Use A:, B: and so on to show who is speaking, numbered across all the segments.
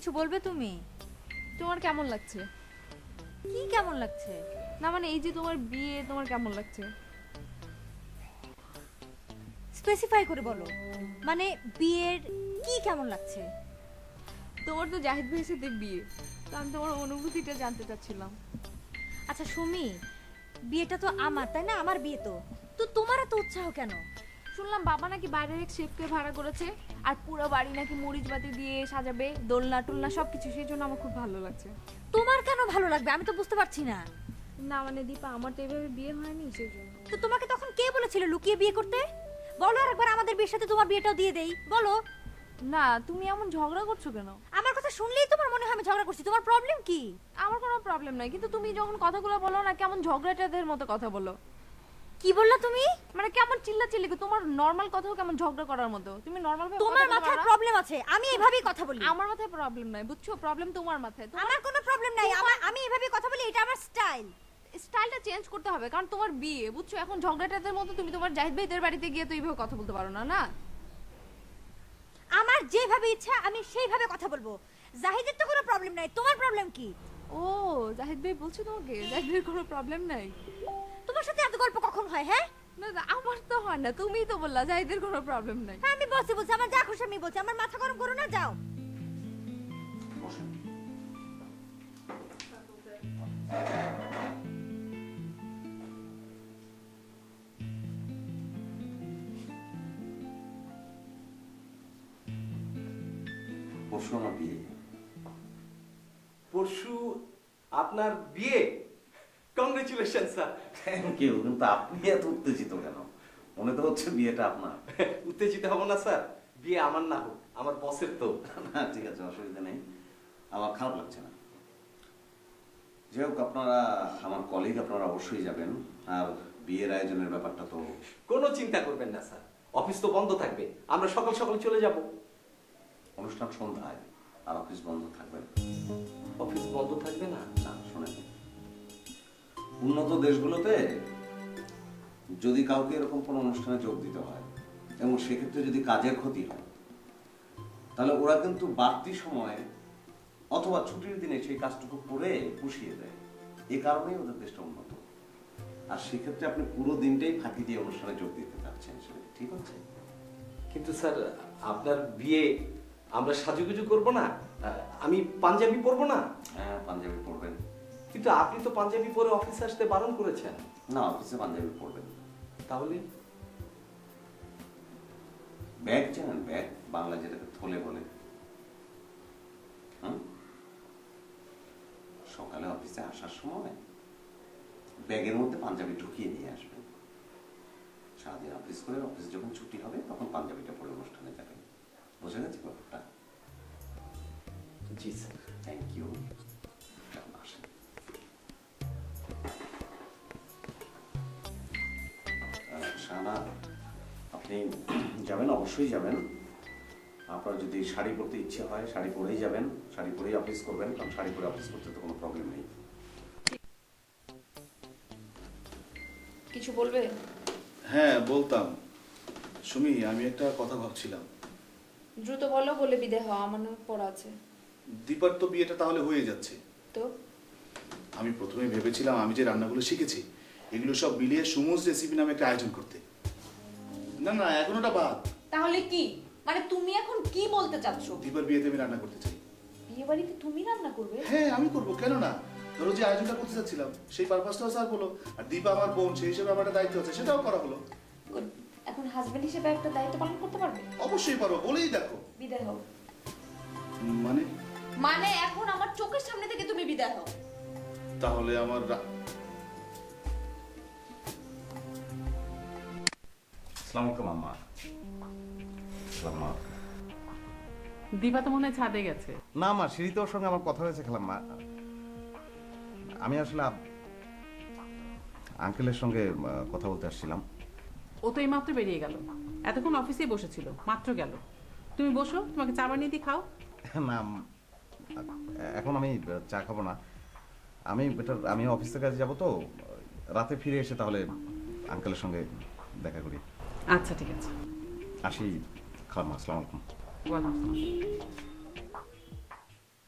A: কিছু বলবে তুমি?
B: তোমার কেমন লাগছে?
A: কি কেমন লাগছে?
B: না মানে এই যে তোমার বিয়ে, তোমার কেমন লাগছে?
A: স্পেসিফাই করে বলো, মানে বিয়ের কি কেমন লাগছে?
B: তোমার তো জাহিদ ভাইয়ের সাথে বিয়ে, তো আমি তোমার অনুভূতিটা জানতে চাচ্ছিলাম।
A: আচ্ছা সুমি, বিয়েটা তো আমার, তাই না? আমার বিয়ে তো তো তোমার এত উৎসাহ কেন?
B: শুনলাম বাবা নাকি বাইরের এক শেফকে ভাড়া করেছে, আর পুরো বাড়ি নাকি মরিচবাতি দিয়ে সাজাবে, দোলনা টোলনা সবকিছু, সেই জন্য আমার খুব ভালো লাগছে।
A: তোমার কেন ভালো লাগবে আমি তো বুঝতে পারছি না।
B: না মানে দীপা, আমার তো এভাবে বিয়ে হয়নি, সেই জন্য।
A: তো তোমাকে তখন কে বলেছিল লুকিয়ে বিয়ে করতে? বলো আর একবার আমাদের বিয়ের সাথে তোমার বিয়েটাও দিয়ে দেই, বলো।
B: না তুমি এমন ঝগড়া করছো কেন?
A: আমার কথা শুনলেই তোমার মনে হয় আমি ঝগড়া করছি, তোমার প্রবলেম কি?
B: আমার কোনো প্রবলেম নাই, কিন্তু তুমি যখন কথাগুলো বলো না কেমন ঝগড়াটাদের মতো কথা বলো।
A: কি বললা তুমি?
B: মানে কেমন চিল্লাচিল্লি, তোমার নরমাল কথাও কেমন ঝগড়া করার মতো। তুমি নরমাল ভাবে
A: তোমার মাথায় প্রবলেম আছে, আমি এভাবেই কথা বলি।
B: আমার মাথায় প্রবলেম নাই, বুঝছো? প্রবলেম তোমার মাথায়।
A: আমার কোনো প্রবলেম নাই, আমি এভাবেই কথা বলি, এটা আমার স্টাইল।
B: স্টাইলটা চেঞ্জ করতে হবে, কারণ তোমার বিয়ে, বুঝছো? এখন ঝগড়াটাদের মতো তুমি তোমার জাহিদ ভাইদের বাড়িতে গিয়ে তো এইভাবে কথা বলতে পারো না। না,
A: আমার যেভাবে ইচ্ছা আমি সেইভাবে কথা বলবো। জাহিদের তো কোনো প্রবলেম নাই, তোমার প্রবলেম কি?
B: ও জাহিদ ভাই বলছো তোমাকে জাহিদ ভাইয়ের কোনো প্রবলেম নাই?
A: তোমার সাথে এত গল্প কখন হয়? হ্যাঁ
B: না না, আমার তো হয় না, তুমিই তো বললা জাহিদের কোনো প্রবলেম নাই।
A: হ্যাঁ আমি বলছি, আমার যা খুশি আমি বলছি, আমার মাথা গরম করো না, যাও।
C: পরশু আমার বিয়ে।
D: পরশু আপনার বিয়ে? Congratulation sir.
C: Thank you. কিন্তু আপনি এত উত্তেজিত কেন? মনে তো হচ্ছে বিয়েটা আপনার।
D: উত্তেজিত হব না স্যার, বিয়ে আমার না হোক, আমার বসের তো।
C: না ঠিক আছে, অসুবিধা নেই, আমার খারাপ লাগছে না। যাই হোক, আপনারা আমার কলিগ, আপনারা অবশ্যই যাবেন। আর বিয়ের আয়োজনের ব্যাপারটা তো
D: কোনো চিন্তা করবেন না স্যার, অফিস তো বন্ধ থাকবে, আমরা সকাল সকাল চলে যাব।
C: অনুষ্ঠান সন্ধ্যায়, আর অফিস বন্ধ থাকবে না।
D: অফিস বন্ধ থাকবে না?
C: না শোনেন, উন্নত দেশগুলোতে যদি কাউকে এরকম কোনো অনুষ্ঠানে যোগ দিতে হয় এবং সেক্ষেত্রে যদি কাজের ক্ষতি হয়, তাহলে ওরা কিন্তু বাড়তি সময়ে অথবা ছুটির দিনে সেই কাজটুকু করে পুষিয়ে দেয়। এ কারণেই ওদের দেশটা উন্নত। আর সেক্ষেত্রে আপনি পুরো দিনটাই ফাঁকি দিয়ে অনুষ্ঠানে যোগ দিতে চাচ্ছেন, সেটা ঠিক হচ্ছে?
D: কিন্তু স্যার আপনার বিয়ে, আমরা সাজুগুজু করব না? আমি পাঞ্জাবি পরবো না?
C: হ্যাঁ, পাঞ্জাবি পরবেন।
D: কিন্তু আপনি তো পাঞ্জাবি পরে অফিসে আসতে বারণ করেছেন।
C: না, অফিসে পাঞ্জাবি পরবেন।
D: তাহলে
C: ব্যাগ জানেন? ব্যাগ, বাংলা যেটাকে থলে বলে। সকালে অফিসে আসার সময় ব্যাগের মধ্যে পাঞ্জাবি ঢুকিয়ে নিয়ে আসবেন। সারাদিন অফিস করে অফিস যখন ছুটি হবে তখন পাঞ্জাবিটা পরে অনুষ্ঠানে যাবেন। বোঝা গেছে ব্যাপারটা?
D: জি স্যার।
C: Thank you. আসেন। শাহানা, আপনি যাবেন? অবশ্যই যাবেন। আপনার যদি শাড়ি পরতে ইচ্ছে হয় শাড়ি পরেই যাবেন, শাড়ি পরেই অফিস করবেন, কারণ শাড়ি পরে অফিস করতে তো কোনো প্রবলেম নেই।
B: কিছু বলবে?
E: হ্যাঁ বলতাম। সুমি, আমি একটা কথা ভাবছিলাম।
B: দ্রুত বলো, বলে বিদায় হওয়া, আমার অনেক পড়া আছে।
E: দীপার তো বিয়েটা তাহলে হয়ে যাচ্ছে।
B: তো
E: আমি প্রথমে ভেবেছিলাম আমি যে রান্নাগুলো শিখেছি এগুলো সব মিলিয়ে সুমোস রেসিপি নামে একটা আয়োজন করতে। না না, এখন ওটা বাদ।
B: তাহলে কি মানে তুমি এখন কি বলতে চাচ্ছো?
E: দীপার বিয়েতে আমি রান্না করতে চাই।
B: বিয়ে বাড়িতে তুমি রান্না করবে?
E: হ্যাঁ আমি করবো, কেন না? ধরো যে আয়োজনটা করতে চাচ্ছিলাম সেই পারপাসটাও স্যার বলো, আর দীপা আমার বোন, সেই হিসেবে আমার একটা দায়িত্ব আছে, সেটাও করা হলো।
B: Good. এখন হাজবেন্ড হিসেবে একটা দায়িত্ব পালন করতে পারবে?
E: অবশ্যই পারো, বলেই দেখো।
B: বিদায় হও।
E: মানে?
B: মানে এখন আমার চোখের সামনে থেকে তুমি বিদায় হও।
E: তাহলে আমার
C: আসসালামু আলাইকুম আম্মা। আসসালামু।
F: দিবা তো মনে হয় ছাদে গেছে।
G: না মা, সিঁড়িতে ওর সঙ্গে আমার কথা হয়েছে খালাম্মা। আমি আসলে আঙ্কেলের সঙ্গে কথা বলতে আসছিলাম।
F: ও তো এই মাত্র বেরিয়ে গেল, এতক্ষণ অফিসেই বসেছিল, মাত্র গেল। তুমি বসো, তোমাকে চা বানিয়ে দিয়ে খাও।
G: না, এখন আমি চা খাবো না। আমি অফিস থেকে কাজে যাবো, তো রাতে ফিরে এসে তাহলে আঙ্কেলের সঙ্গে দেখা করি।
F: আচ্ছা ঠিক আছে,
G: আসি খালাম্মা। আসসালামু আলাইকুম।
F: ওয়ালাইকুম আসসালাম।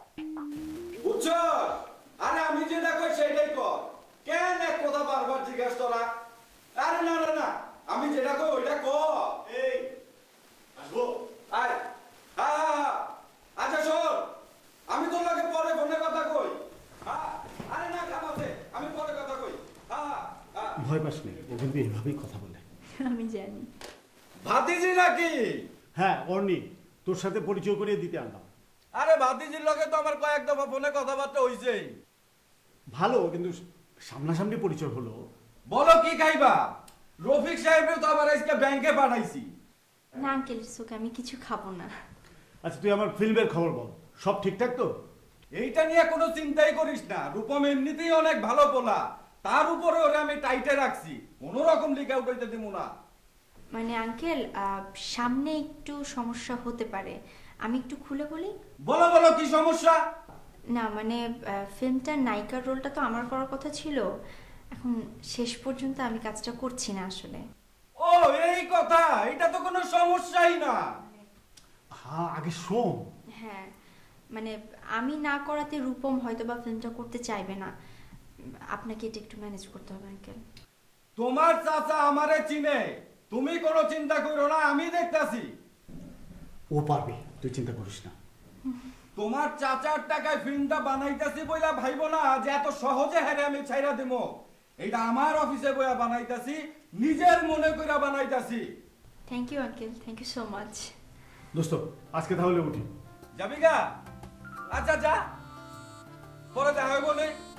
H: বুঝছো? আরে আমি যেটা কই সেটাই কর। কেন এক কথা বারবার জিজ্ঞেস তোরা? আরে না না না, আমি যেটা কই ওইটা কর। এই আসবো আয়। হ্যাঁ, আচ্ছা শোন, আমি তোর লগে পরে ফোনে কথা কই। হ্যাঁ, আরে না কামাতে, আমি পরে কথা কই। হ্যাঁ হ্যাঁ।
I: ভয় পাস নেই, ও কিন্তু এইভাবেই কথা বলে।
A: আমি জানি।
H: ভাতিজি নাকি?
I: হ্যাঁ অর্নি, তোর সাথে পরিচয় করিয়ে দিতে আনলাম।
H: আরে ভাতিজির লগে তো আমার কয়েক দফা ফোনে কথাবার্তা হইছেই।
I: ভালো, কিন্তু সামনাসামনি পরিচয় হলো।
H: বলো কি খাইবা? রফিক সাহেবের তো আবার আজকে ব্যাংকে পাঠাইছি।
A: না আঙ্কেল সুখ, আমি কিছু খাবো না।
I: আচ্ছা তুই আমার ফিল্মের খবর বল, সব ঠিকঠাক তো?
H: এইটা নিয়ে কোনো চিন্তাই করিস না, রূপম এমনিতেই অনেক ভালো পোলা, তার উপরে ওরে আমি টাইটে রাখছি, কোনো রকম লিক আউট হইতে দিব না।
A: মানে আঙ্কেল সামনে একটু সমস্যা হতে পারে, আমি একটু খুলে বলি।
H: বলো বলো কি সমস্যা?
A: না মানে ফিল্মটার নায়িকার রোলটা তো আমার করার কথা ছিল, এখন শেষ পর্যন্ত আমি কাজটা করছি না আসলে।
H: ও এই কথা, এটা তো কোনো সমস্যাই না।
I: হ্যাঁ আগে শোন।
A: হ্যাঁ মানে আমি না করাতে রূপম হয়তো বা ফিল্মটা করতে চাইবে না, আপনাকে এটা একটু ম্যানেজ করতে হবে আঙ্কেল।
H: তোমার চাচা আমারে চিনে, তুমি কোনো চিন্তা করো না, আমি দেখতাছি।
I: ও পারবে, তুই চিন্তা করিস না।
H: তোমার চাচার টাকায় ফিল্মটা বানাইতাছি বইলা ভাইবো না যে এত সহজে হারে আমি ছাইরা দেবো। এটা আমার অফিসে বইয়া বানাইতাছি, নিজের মনে কইরা বানাইতাছি।
A: Thank you uncle, thank you so much.
I: দোস্ত আজকে তাহলে উঠি।
H: যাবি গা? আচ্ছা যা, পরে দেখা হইব নে।